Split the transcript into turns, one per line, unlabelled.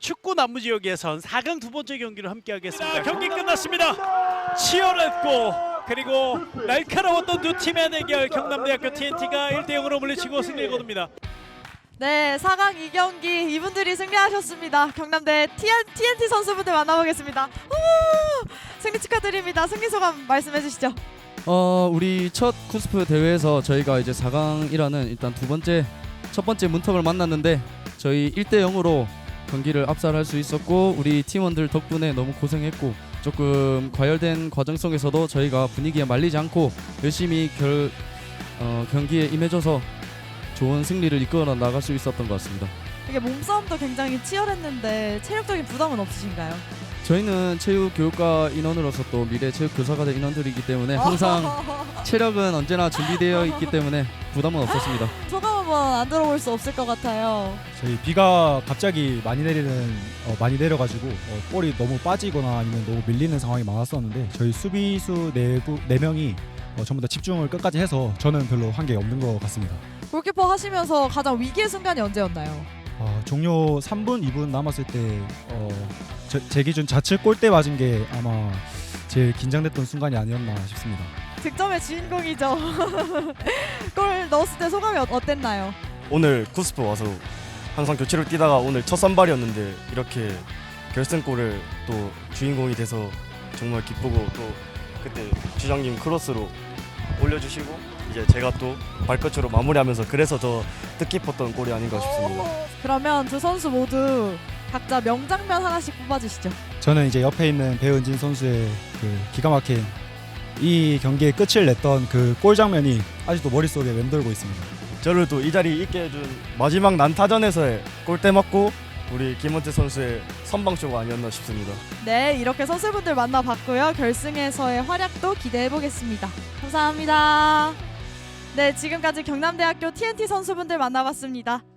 축구 남부지역에선 4강 두 번째 경기를 함께하겠습니다. 경기 끝났습니다. 치열했고 그리고 날카로웠던 두 팀의 대결, 경남대학교 TNT가 1대0으로 물리치고 승리를 거둡니다.
네, 4강 2경기 이분들이 승리하셨습니다. 경남대 TNT 선수분들 만나보겠습니다. 승리 축하드립니다. 승리 소감 말씀해 주시죠.
우리 첫 쿠스프 대회에서 저희가 이제 4강이라는 일단 첫 번째 문턱을 만났는데 저희 1대0으로 경기를 압살할 수 있었고 우리 팀원들 덕분에 너무 고생했고 조금 과열된 과정 속에서도 저희가 분위기에 말리지 않고 열심히 경기에 임해줘서 좋은 승리를 이끌어 나갈 수 있었던 것 같습니다.
이게 몸싸움도 굉장히 치열했는데 체력적인 부담은 없으신가요?
저희는 체육교육과 인원으로서 또 미래 체육교사가 될 인원들이기 때문에 항상 체력은 언제나 준비되어 있기 때문에 부담은 없었습니다.
소감 한번 안 들어볼 수 없을 것 같아요.
저희 비가 갑자기 많이 내려가지고 볼이 너무 빠지거나 아니면 너무 밀리는 상황이 많았었는데 저희 수비수 4명이 전부 다 집중을 끝까지 해서 저는 별로 한게 없는 것 같습니다.
골키퍼 하시면서 가장 위기의 순간이 언제였나요?
종료 3분, 2분 남았을 때 제 기준 좌측 골대 맞은 게 아마 제일 긴장됐던 순간이 아니었나 싶습니다.
득점의 주인공이죠. 골 넣었을 때 소감이 어땠나요?
오늘 쿠스프 와서 항상 교체로 뛰다가 오늘 첫 선발이었는데 이렇게 결승골을 또 주인공이 돼서 정말 기쁘고 또 그때 주장님 크로스로 올려주시고 이제 제가 또 발끝으로 마무리하면서 그래서 더 뜻깊었던 골이 아닌가 싶습니다.
그러면 두 선수 모두 각자 명장면 하나씩 뽑아주시죠.
저는 이제 옆에 있는 배은진 선수의 그 기가 막힌 이 경기의 끝을 냈던 그 골 장면이 아직도 머릿속에 맴돌고 있습니다.
저를 또 이 자리에 있게 해준 마지막 난타전에서의 골대 맞고 우리 김원태 선수의 선방쇼가 아니었나 싶습니다.
네, 이렇게 선수분들 만나봤고요. 결승에서의 활약도 기대해보겠습니다. 감사합니다. 네, 지금까지 경남대학교 TNT 선수분들 만나봤습니다.